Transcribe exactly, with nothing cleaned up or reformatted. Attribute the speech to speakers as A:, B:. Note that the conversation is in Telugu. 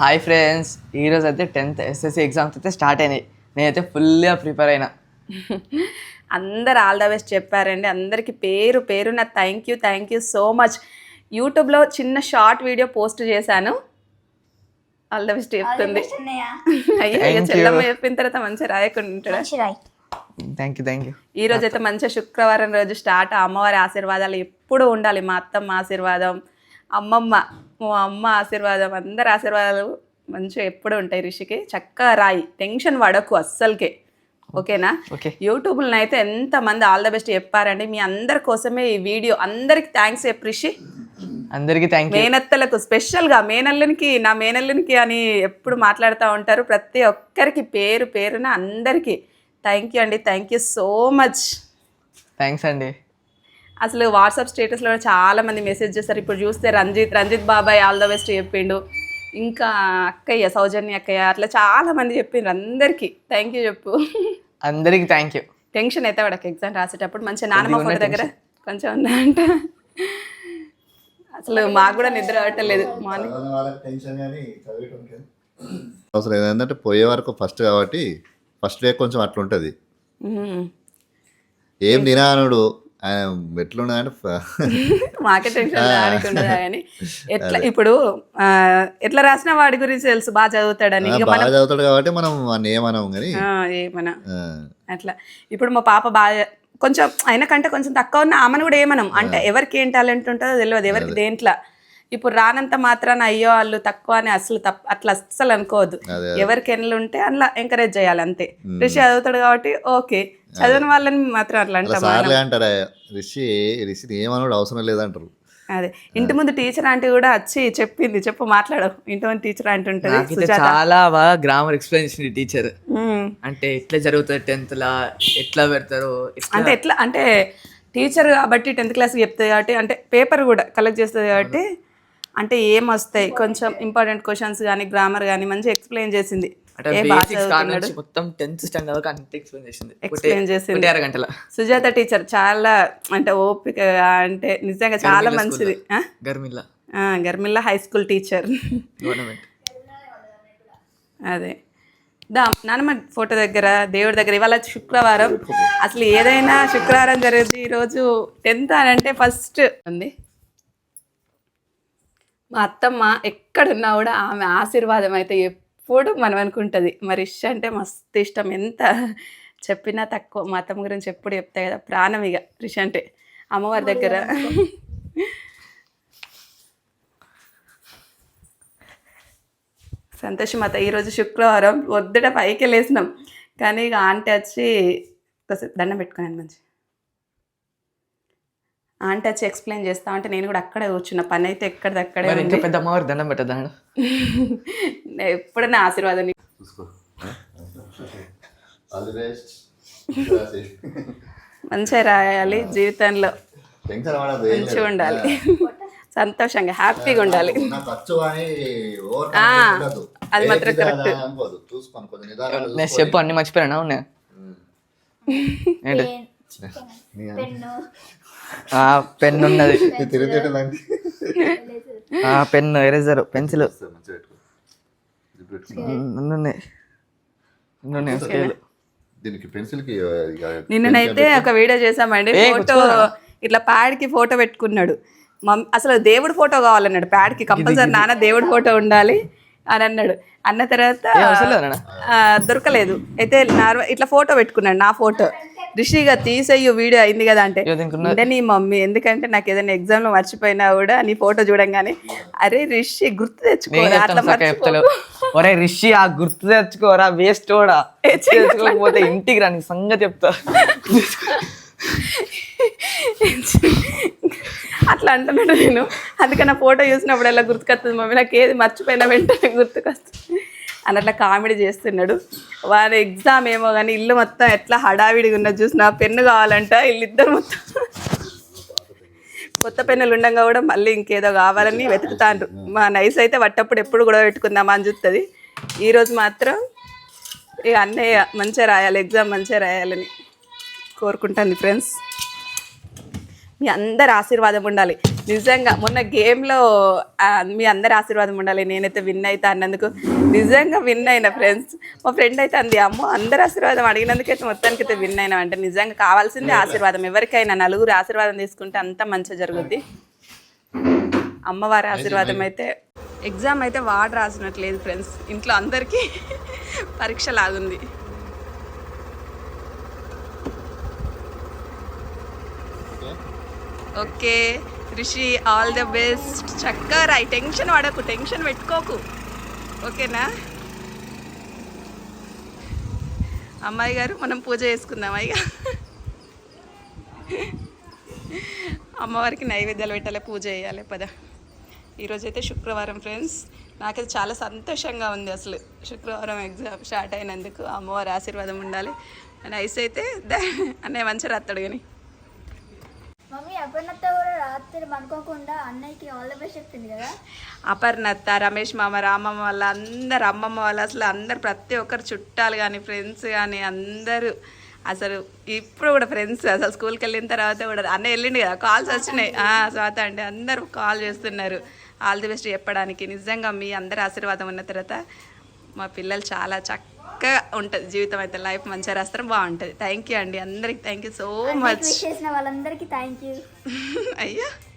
A: హాయ్ ఫ్రెండ్స్, ఈరోజు అయితే టెన్త్ ఎస్ఎస్సి ఎగ్జామ్స్ అయితే స్టార్ట్ అయినాయి. నేనైతే ఫుల్గా ప్రిపేర్ అయినా.
B: అందరు ఆల్ ద బెస్ట్ చెప్పారండి. అందరికీ పేరు పేరున thank you thank you so much. యూట్యూబ్లో చిన్న షార్ట్ వీడియో పోస్ట్ చేశాను. ఆల్ ద బెస్ట్ చెప్తుంది. అయ్యో చెల్లమ్మ చెప్పిన తర్వాత మంచిగా రాయకుండా ఉంటాడా?
A: Thank you thank you.
B: ఈ రోజు అయితే మంచిగా శుక్రవారం రోజు స్టార్ట్. అమ్మవారి ఆశీర్వాదాలు ఎప్పుడు ఉండాలి. మా అత్తమ్మ ఆశీర్వాదం, అమ్మమ్మ, మా అమ్మ ఆశీర్వాదం, అందరి ఆశీర్వాదాలు మంచిగా ఎప్పుడు ఉంటాయి. రిషికి చక్కగా రాయి, టెన్షన్ పడకు అస్సలకే, ఓకేనా? యూట్యూబ్లో అయితే ఎంతమంది ఆల్ ద బెస్ట్ చెప్పారండి. మీ అందరి కోసమే ఈ వీడియో. అందరికి థ్యాంక్స్ చెప్పు రిషి.
A: అందరికీ థ్యాంక్ యూ.
B: మేనత్తలకు స్పెషల్గా, మేనల్లునికి నా మేనల్లునికి అని ఎప్పుడు మాట్లాడుతూ ఉంటారు. ప్రతి ఒక్కరికి పేరు పేరున అందరికీ థ్యాంక్ యూ అండి. Thank you so much.
A: Thanks అండి.
B: అసలు వాట్సాప్ స్టేటస్లో చాలా మంది మెసేజ్ చేస్తారు. ఇప్పుడు చూస్తే రంజిత్ రంజిత్ బాబాయ్ ఆల్ ద బెస్ట్ చెప్పిండు. ఇంకా అక్కయ్య, సౌజన్య అక్కయ్య, అట్లా చాలా మంది చెప్పిండ్రు. అందరికీ థ్యాంక్ యూ చెప్పు.
A: అందరికీ థ్యాంక్ యూ.
B: టెన్షన్ అయితే వాడికి ఎగ్జామ్ రాసేటప్పుడు మంచిగా నానమ్మ ఫోటో దగ్గర కొంచెం ఉందంట. అసలు మాకు కూడా నిద్ర పట్టలేదు మార్నింగ్.
C: అవసరం ఏంటంటే పోయే వరకు ఫస్ట్ కాబట్టి ఫస్ట్ డే కొంచెం అట్లా ఉంటుంది. ఏం తినానుడు ఎట్లున్నదంటే
B: మాకే టెన్షన్ రానికుండదా కానీ ఎట్లా ఇప్పుడు ఎట్లా రాసిన వాడి గురించి తెలుసు, బాగా చదువుతాడని.
C: బాగా చదువుతాడు కాబట్టి మనం ఏమనం కానీ
B: ఏమన్నా అట్లా. ఇప్పుడు మా పాప బాగా కొంచెం అయినా కంటే కొంచెం తక్కువ ఉన్న ఆమెను కూడా ఏమనం. అంటే ఎవరికి ఏం టాలెంట్ ఉంటుందో తెలియదు, ఎవరికి దేంట్లో. ఇప్పుడు రానంత మాత్రాన అయ్యో వాళ్ళు తక్కువ అని అసలు తప్ప అట్లా అస్సలు అనుకోవద్దు. ఎవరికి ఎన్నులు ఉంటే అట్లా ఎంకరేజ్ చేయాలి అంతే. రిషి చదువుతాడు కాబట్టి ఓకే, చదివిన వాళ్ళని మాత్రం అట్లా
C: అంటారా? రిషి రిషి ఏమన్నాడు అవసరం లేదంటారు.
B: అదే ఇంటి ముందు టీచర్ ఆంటీ కూడా వచ్చి చెప్పింది, చెప్పు మాట్లాడవు. ఇంటి ముందు టీచర్ ఆంటీ ఉంటుంది.
A: చాలా బాగా గ్రామర్ ఎక్స్ప్లెయిన్ చేసింది టీచర్. అంటే ఎట్లా జరుగుతుంది టెన్త్ లా, ఎట్లా పెడతారు
B: అంటే ఎట్లా అంటే టీచర్ కాబట్టి టెన్త్ క్లాస్ చెప్తుంది కాబట్టి, అంటే పేపర్ కూడా కలెక్ట్ చేస్తుంది కాబట్టి అంటే ఏం వస్తాయి కొంచెం ఇంపార్టెంట్ క్వశ్చన్స్ కానీ గ్రామర్ కానీ మంచిగా ఎక్స్ప్లెయిన్ చేసింది. ఎక్స్ప్లెయిన్ చేసింది
A: అరగంటల.
B: సుజాత టీచర్ చాలా అంటే ఓపిక, అంటే నిజంగా చాలా మంచిది.
A: గర్మిల్లా
B: గర్మిల్లా హై స్కూల్ టీచర్. అదే దా నానమ్మ ఫోటో దగ్గర, దేవుడి దగ్గర. ఇవాళ శుక్రవారం, అసలు ఏదైనా శుక్రవారం జరిగింది. ఈరోజు టెన్త్ అని అంటే ఫస్ట్ ఉంది. మా అత్తమ్మ ఎక్కడున్నా కూడా ఆమె ఆశీర్వాదం అయితే ఎప్పుడు మనం అనుకుంటుంది. మరి ఇష్ అంటే మస్తు ఇష్టం, ఎంత చెప్పినా తక్కువ. మా అత్తమ్మ గురించి ఎప్పుడు చెప్తాయి కదా, ప్రాణం ఇక రిష్ అంటే. అమ్మవారి దగ్గర సంతోషం అత్త. ఈరోజు శుక్రవారం పొద్దుట పైకి లేసినాం కానీ ఇక ఆంటీ వచ్చి కాసేపు దండం పెట్టుకున్నాను. మంచి ఆంటీ వచ్చి ఎక్స్ప్లెయిన్ చేస్తా అంటే నేను కూడా అక్కడే కూర్చున్న. పని అయితే ఎక్కడిదక్కడే.
A: ఇంకా పెద్ద అమ్మవారి దండం పెట్టదా?
B: ఎప్పుడైనా ఆశీర్వాదం మంచిగా రాయాలి, జీవితంలో మంచిగా ఉండాలి, సంతోషంగా హ్యాపీగా ఉండాలి. అది మాత్రం కరెక్ట్.
A: నేను చెప్పు అన్ని మర్చిపోయానా? ఉన్నాయి ఏంటి? పెన్ ఉన్నది, పెన్, ఎరేజర్, పెన్సిల్
B: నిన్ననైతే ఒక వీడియో చేసామండి. ఫోటో ఇట్లా ప్యాడ్కి ఫోటో పెట్టుకున్నాడు. మమ్మీ అసలు దేవుడి ఫోటో కావాలన్నాడు. ప్యాడ్కి కంపల్సరీ నాన్న దేవుడి ఫోటో ఉండాలి అని అన్నాడు. అన్న తర్వాత దొరకలేదు. అయితే నార్మల్ ఇట్లా ఫోటో పెట్టుకున్నాడు, నా ఫోటో. రిషిగా తీసేయు వీడియో అయింది కదా అంటే అంటే నీ మమ్మీ, ఎందుకంటే నాకు ఏదైనా ఎగ్జామ్ లో మర్చిపోయినా కూడా నీ ఫోటో చూడంగానే అరే రిషి గుర్తు తెచ్చుకోరా,
A: ఒరే రిషి ఆ గుర్తు తెచ్చుకోరా, వేస్ట్ కూడా తెచ్చుకోకపోతే ఇంటికి రా నీ సంగతి చెప్తా.
B: అట్లా అంటున్నాడు నేను. అందుకని నా ఫోటో చూసినప్పుడు ఎలా గుర్తుకొస్తుంది మమ్మీ, నాకు ఏది మర్చిపోయినా వెంటనే గుర్తుకొస్తుంది అని అట్లా కామెడీ చేస్తున్నాడు. వారి ఎగ్జామ్ ఏమో కానీ ఇల్లు మొత్తం ఎట్లా హడావిడిగా ఉన్నది చూసిన. పెన్ను కావాలంట వీళ్ళిద్దరు మొత్తం. కొత్త పెన్నులు ఉండగా కూడా మళ్ళీ ఇంకేదో కావాలని వెతుకుతాండ్రు. మా నైస్ అయితే వట్టప్పుడు ఎప్పుడు కూడా పెట్టుకుందామా అని చూస్తుంది. ఈరోజు మాత్రం ఇక అన్నయ్య మంచిగా రాయాలి, ఎగ్జామ్ మంచిగా రాయాలని కోరుకుంటాను ఫ్రెండ్స్. మీ అందరి ఆశీర్వాదం ఉండాలి. నిజంగా మొన్న గేమ్లో మీ అందరి ఆశీర్వాదం ఉండాలి, నేనైతే విన్ అవుతా అన్నందుకు నిజంగా విన్ అయిన ఫ్రెండ్స్. మా ఫ్రెండ్ అయితే అంది, అమ్మో అందరి ఆశీర్వాదం అడిగినందుకైతే మొత్తానికి అయితే విన్ అయినా అంటే నిజంగా కావాల్సిందే ఆశీర్వాదం. ఎవరికైనా నలుగురు ఆశీర్వాదం తీసుకుంటే అంతా మంచిగా జరుగుద్ది. అమ్మవారి ఆశీర్వాదం అయితే. ఎగ్జామ్ అయితే వాడు రాసినట్లేదు ఫ్రెండ్స్, ఇంట్లో అందరికీ పరీక్ష లాగుంది. Okay Rishi, all the best. చక్కగా రాయి, టెన్షన్ పడకు, టెన్షన్ పెట్టుకోకు, ఓకేనా? అమ్మాయి గారు మనం పూజ చేసుకుందాం అయ్యా. అమ్మవారికి నైవేద్యాలు పెట్టాలి, పూజ చేయాలి పద. ఈరోజైతే శుక్రవారం ఫ్రెండ్స్, నాకైతే చాలా సంతోషంగా ఉంది అసలు. శుక్రవారం ఎగ్జామ్ స్టార్ట్ అయినందుకు అమ్మవారి ఆశీర్వాదం ఉండాలి. నైస్ అయితే అన్నయ్య మంచిగా రాస్తాడు కానీ.
D: మమ్మీ అపర్ణత కూడా రాత్రి అనుకోకుండా అన్నయ్యకి ఆల్ ద బెస్ట్ చెప్పింది కదా.
B: అపర్ణత, రమేష్ మామ, రామమ్మ వాళ్ళ అందరు, అమ్మమ్మ వాళ్ళ, అసలు అందరు ప్రతి ఒక్కరు చుట్టాలు కానీ ఫ్రెండ్స్ కానీ అందరూ అసలు ఇప్పుడు కూడా ఫ్రెండ్స్ అసలు స్కూల్కి వెళ్ళిన తర్వాత కూడా అన్న వెళ్ళిండు కదా, కాల్స్ వచ్చినాయి. స్వాత అంటే అందరూ కాల్ చేస్తున్నారు ఆల్ ది బెస్ట్ చెప్పడానికి. నిజంగా మీ అందరి ఆశీర్వాదం ఉన్న తర్వాత మా పిల్లలు చాలా చక్కగా ఉంటుంది జీవితం, అయితే లైఫ్ మంచిగా రాస్తారు, బాగుంటుంది. థ్యాంక్ యూ అండి అందరికి, థ్యాంక్ యూ సో మచ్.
D: చేసిన వాళ్ళందరికీ థ్యాంక్ యూ.
B: అయ్యా